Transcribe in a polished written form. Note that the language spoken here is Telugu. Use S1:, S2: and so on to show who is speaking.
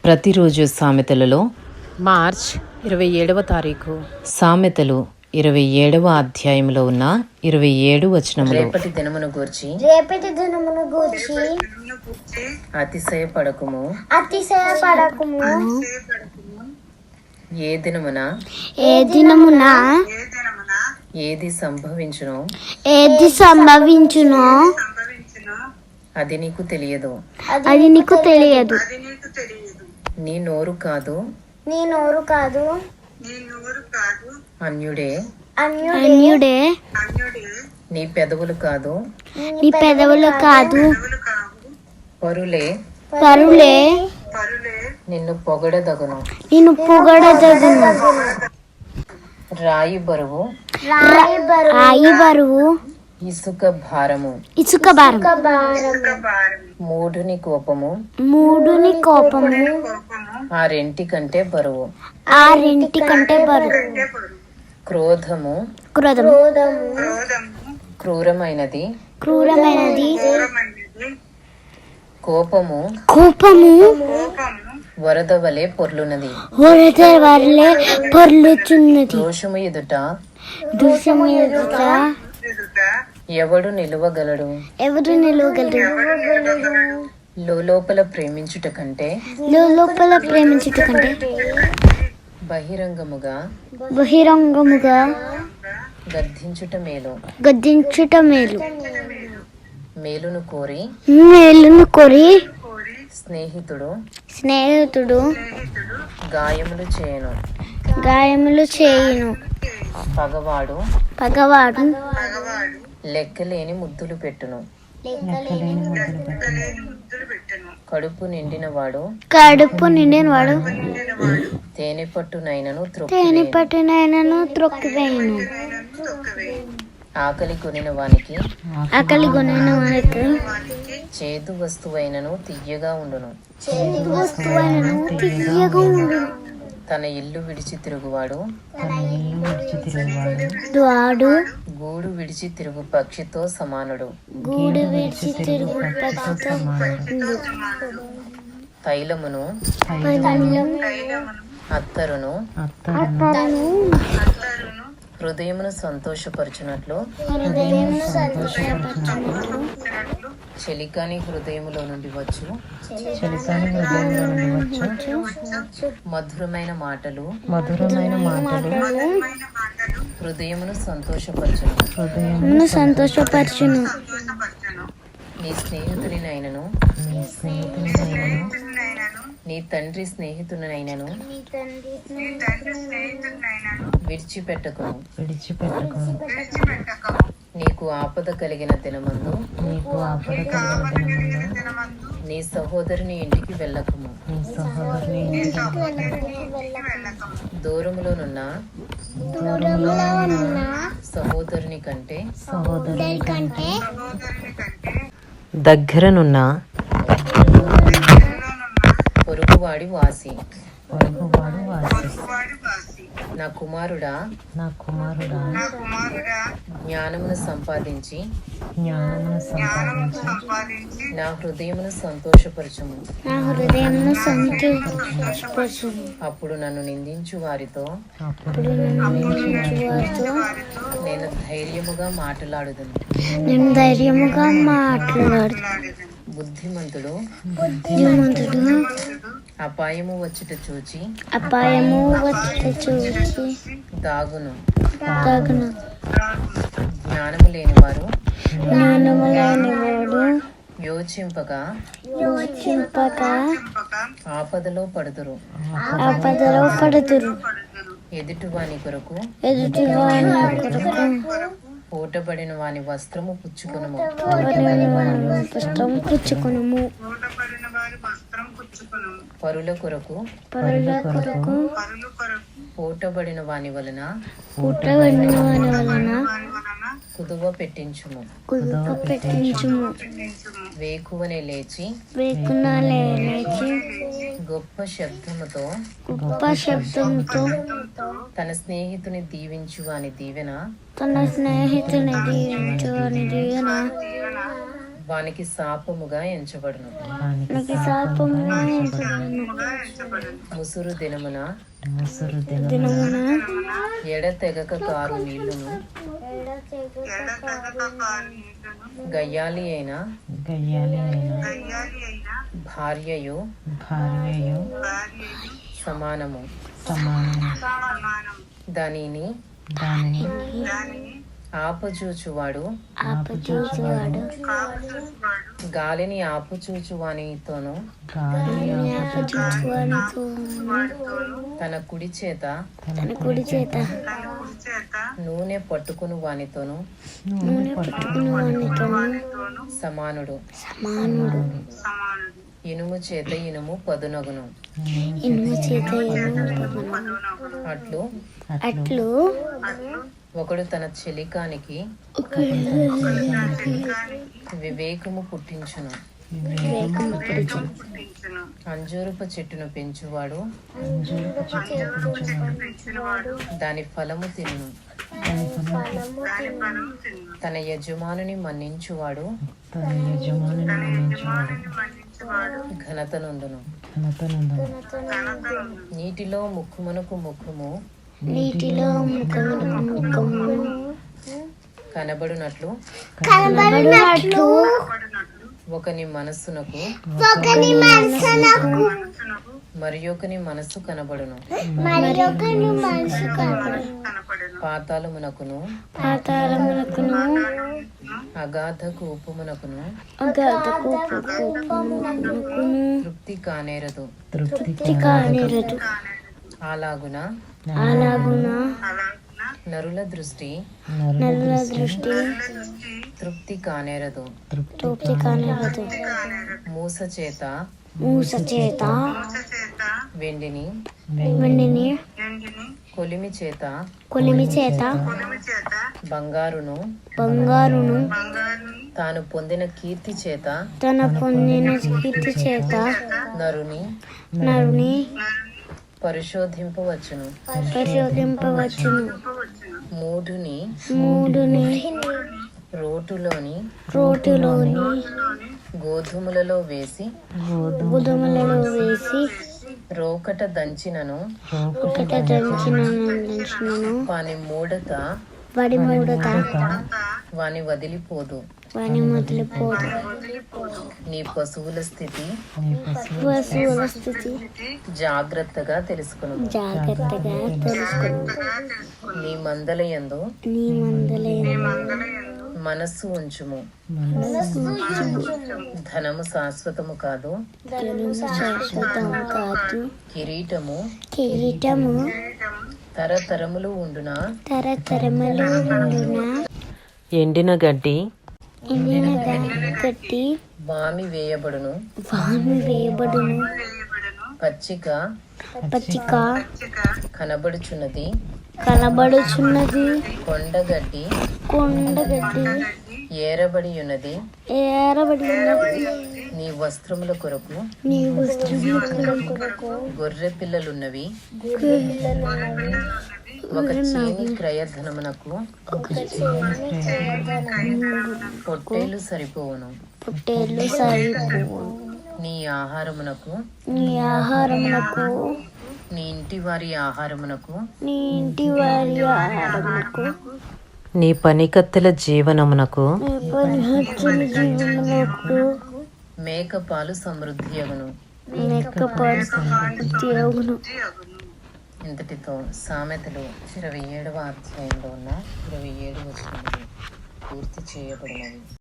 S1: ప్రతిరోజు సామెతలలో
S2: మార్చ్ 27వ తారీఖు
S1: సామెతలు 27వ అధ్యాయంలో ఉన్న 27 వచనములు.
S3: రేపటి దినమును గూర్చి అతిశయపడకుము. ఏ దినమున ఏది సంభవించునో అది నీకు తెలియదు. నీ నోరు కాదు అన్యుడే, నీ పెదవులు కాదు పరులే నిన్ను పొగడదగును. రాయి బరువు ఇసుక భారము. మూఢుని కోపము ఆ రెంటి కంటే బరువు. క్రోధము క్రూరమైనది. కోపము వరద వలె పొర్లున్నది. దోషము ఎదుట ఎవడు నిలువగలడు? లోపల ప్రేమించుట కంటే బహిరంగముగా గద్దించుట మేలు. మేలును కోరి స్నేహితుడు గాయములు చేయను. పగవాడు లెక్కలేని ముద్దులు పెట్టును. కడుపు నిండినవాడు తేనె పట్టునైనను త్రొక్కివేయును. ఆకలి కొనిన వానికి చేదు వస్తువైనను తియ్యగా ఉండును. తన ఇల్లు విడిచి తిరుగువాడు గూడు విడిచి తిరుగు పక్షితో సమానుడు. తైలమును అత్తరును హృదయమును సంతోషపరచునట్లు చెలికాని హృదయములో నుండి వచ్చు మధురమైన మాటలు హృదయమును సంతోషపరచును. నీ స్నేహితునినైనను నీ తండ్రి స్నేహితునైనను విడిచిపెట్టకును. నీకు ఆపద కలిగిన దినమందు నీ సహోదరుని ఇంటికి వెళ్ళకము. దూరములోనున్న సహోదరుని కంటే
S1: దగ్గరనున్న
S3: పొరుగువాడి వాసి. నా కుమారుడా జ్ఞానమును సంపాదించి నా హృదయమును సంతోషపరచుము. అప్పుడు నన్ను నిందించు వారితో నేను ధైర్యముగా మాట్లాడుదును. బుద్ధిమంతుడు అపాయము వచ్చుట చూచి దాగును. జ్ఞానము లేనివారు యోచింపగా ఆపదలో పడుదురు. ఎదుటివాని కొరకు పూటబడిన వాని వస్త్రము పుచ్చుకొనుము. పరుల కొరకు పూటబడిన వాని వలన కుదువ పెట్టించుము. వేకువనే లేచి గొప్ప శబ్దముతో తన స్నేహితుని దీవించు వాని దీవెన వానికి శాపముగా ఎంచబడును.
S1: లోకానికి శాపముగా
S3: ముసురు దినమున
S1: దినమున
S3: ఎడతెగక కారు నీళ్లును గయ్యాలి అయిన భార్యయు సమానము. దానిని ఆపచూచువాడు గాలిని ఆపుచూచువానితోను తన కుడి చేత నూనె పట్టుకుని వానితోను సమానుడు. ఇనుము చేత ఇనుము పదునగును. అట్లు ఒకడు తన చెలికానికి వివేకము పుట్టించును. అంజూరపు చెట్టును పెంచువాడు దాని ఫలము తినును. తన యజమానుని మన్నించువాడు ఘనత నొందును. నీటిలో ముఖమునకు ముఖము కనబడునట్లు ఒకని మనస్సునకు మరి ఒకని మనస్సు కనబడును. పాతాళమునకును అగాధ కూపమునకును తృప్తి కానేరదు. అలాగున నరుల దృష్టి తృప్తి కానేరదు. మూస చేత వెండిని కొలిమి చేత బంగారును తాను పొందిన కీర్తి చేత నరుని పరిశోధింపవచ్చును. మూఢుని రోటులోని గోధుమలలో వేసి రోకట దంచినను వాని మూఢత వాని వదిలిపోదు. నీ పశువుల స్థితి జాగ్రత్తగా తెలుసుకును. నీ మందలయందు మనస్సు ఉంచుము. ధనము శాశ్వతము కాదు. కిరీటము తరతరములు ఉండునా. ఎండిన గడ్డి వామి వేయబడును. పచ్చిక కనబడుచున్నది. కొండగడ్డి ఏరబడి ఉన్నది. నీ వస్త్రముల కొరకు గొర్రె పిల్లలున్నవి. ఒక చేని క్రయధనమునకు పొట్టేలు సరిపోవును. నీ ఆహారమునకు నీ ఇంటి వారి ఆహారమునకు నీ పనికత్తెల జీవనమునకు మేకపాలు సమృద్ధి అగును. ఇంతటితో సామెతలు 27వ అధ్యాయంలో ఉన్న 27 వచనములు పూర్తి చేయబడినవి.